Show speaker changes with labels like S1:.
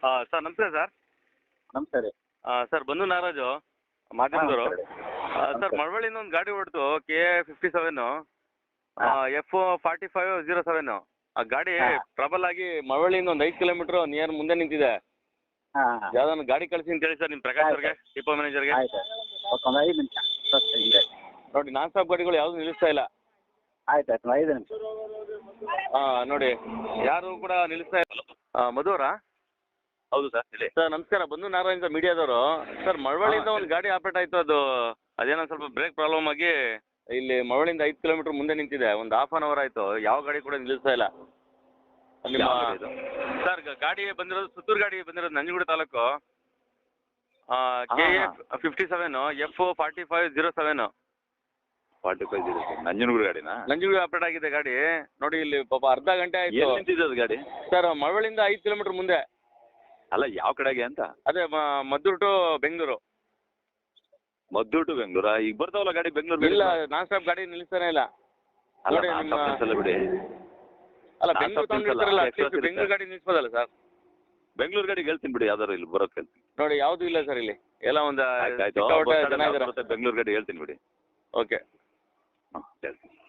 S1: Sir ನಮಸ್ತೆ sir.
S2: ನಮಸ್ತೆ ರೀ.
S1: ಸರ್ ಬಂದು ನಾಗರಾಜು ಮಾಧ್ಯಮದವರು. ಸರ್ ಮಳವಳ್ಳಿಯಿಂದ ಒಂದು ಗಾಡಿ ಹೊಡ್ತು KA57 F4507. ಆ ಗಾಡಿ ಟ್ರಬಲ್ ಆಗಿ ಮಳವಳ್ಳಿಯಿಂದ ಒಂದು 5 ಕಿಲೋಮೀಟರ್ ನಿಯರ್ ಮುಂದೆ ನಿಂತಿದೆ. ಯಾವ್ದಾದ್ರು ಗಾಡಿ ಕಳಿಸಿ ಅಂತ ಹೇಳಿ ಸರ್ ನಿಮ್ಮ ಪ್ರಕಾಶ್ ಅವ್ರಿಗೆ, ಡಿಪೋ ಮ್ಯಾನೇಜರ್ಗೆ.
S2: ಆಯ್ತು ಒಂದು 5 ನಿಮಿಷ
S1: ನೋಡಿ, ನಾನ್ ಸ್ಟಾಪ್ ಗಾಡಿಗಳು ಯಾವುದು ನಿಲ್ಲಿಸ್ತಾ ಇಲ್ಲ.
S2: ಆಯ್ತು 5 ನಿಮಿಷ.
S1: ನೋಡಿ ಯಾರು ಕೂಡ ನಿಲ್ಲಿಸ್ತಾ ಇಲ್ಲ. ಮಧು ಅವರಾ?
S3: ಹೌದು ಸರ್, ಹೇಳಿ
S1: ಸರ್. ನಮಸ್ಕಾರ, ಬಂದು ನಾರಾಯಣ ಮೀಡಿಯಾದವರು. ಸರ್ ಮಳವಳ್ಳಿಯಿಂದ ಒಂದು ಗಾಡಿ ಆಪರೇಟ್ ಆಯಿತು, ಅದೇನೋ ಸ್ವಲ್ಪ ಬ್ರೇಕ್ ಪ್ರಾಬ್ಲಮ್ ಆಗಿ ಇಲ್ಲಿ ಮಳವಳ್ಳಿಯಿಂದ 5 ಕಿಲೋಮೀಟರ್ ಮುಂದೆ ನಿಂತಿದೆ. ಒಂದು ½ ಅವರ್ ಆಯಿತು, ಯಾವ ಗಾಡಿ ಕೂಡ ನಿಲ್ಲಿಸ್ತಾ ಇಲ್ಲ. ನಿಮ್ಮ ಸರ್ ಗಾಡಿ ಬಂದಿರೋದು ಸುತ್ತೂರು ಗಾಡಿ ಬಂದಿರೋದು ನಂಜನಗೂಡು ತಾಲೂಕು. KA57 F4507.
S3: 4507 ನಂಜನಗೂಡು ಗಾಡಿನಾ?
S1: ನಂಜನಗೂಡು ಆಪರೇಟ್ ಆಗಿದೆ ಗಾಡಿ. ನೋಡಿ ಇಲ್ಲಿ ಪಾಪ ಅರ್ಧ ಗಂಟೆ ಆಯ್ತು.
S3: ಎಲ್ಲಿ ನಿಂತಿದೆ ಅದು ಗಾಡಿ?
S1: ಸರ್ ಮಳವಳ್ಳಿಯಿಂದ 5 ಕಿಲೋಮೀಟರ್ ಮುಂದೆ.
S3: ಅಲ್ಲ, ಯಾವ ಕಡೆಗೆ ಅಂತ?
S1: ಅದೇ ಮದ್ದೂರು ಟು ಬೆಂಗಳೂರು.
S3: ಮದ್ದೂರು ಟು ಬೆಂಗಳೂರಾ? ಈಗ ಬರ್ತಾವಲ್ಲ ಗಾಡಿ ಬೆಂಗಳೂರು?
S1: ಇಲ್ಲ, ನಾನ್ ಸ್ಟಾಪ್ ಗಾಡಿ ನಿಲ್ಲಿಸ್ತಾನೆ ಇಲ್ಲ.
S3: ಅಲ್ಲ
S1: ನೋಡಿ
S3: ಬಿಡಿ.
S1: ಅಲ್ಲ, ಬೆಂಗಳೂರು ತಗೊಂಡಿರ್ತಾರಲ್ಲ, ಬೆಂಗಳೂರು ಗಾಡಿ ನಿಲ್ಲಿಸ್ಬೋದಲ್ಲ ಸರ್?
S3: ಬೆಂಗಳೂರು ಗಾಡಿಗೆ ಹೇಳ್ತೀನಿ ಬಿಡಿ, ಯಾವ್ದಾರು ಇಲ್ಲಿ ಬರೋಕೆ ಹೇಳ್ತೀನಿ.
S1: ನೋಡಿ, ಯಾವ್ದು ಇಲ್ಲ ಸರ್ ಇಲ್ಲಿ, ಎಲ್ಲ ಒಂದು
S3: ಬೆಂಗಳೂರು ಗಾಡಿ ಹೇಳ್ತೀನಿ ಬಿಡಿ.
S1: ಓಕೆ.
S3: ಹಾಂ ಹೇಳ್ತೀನಿ.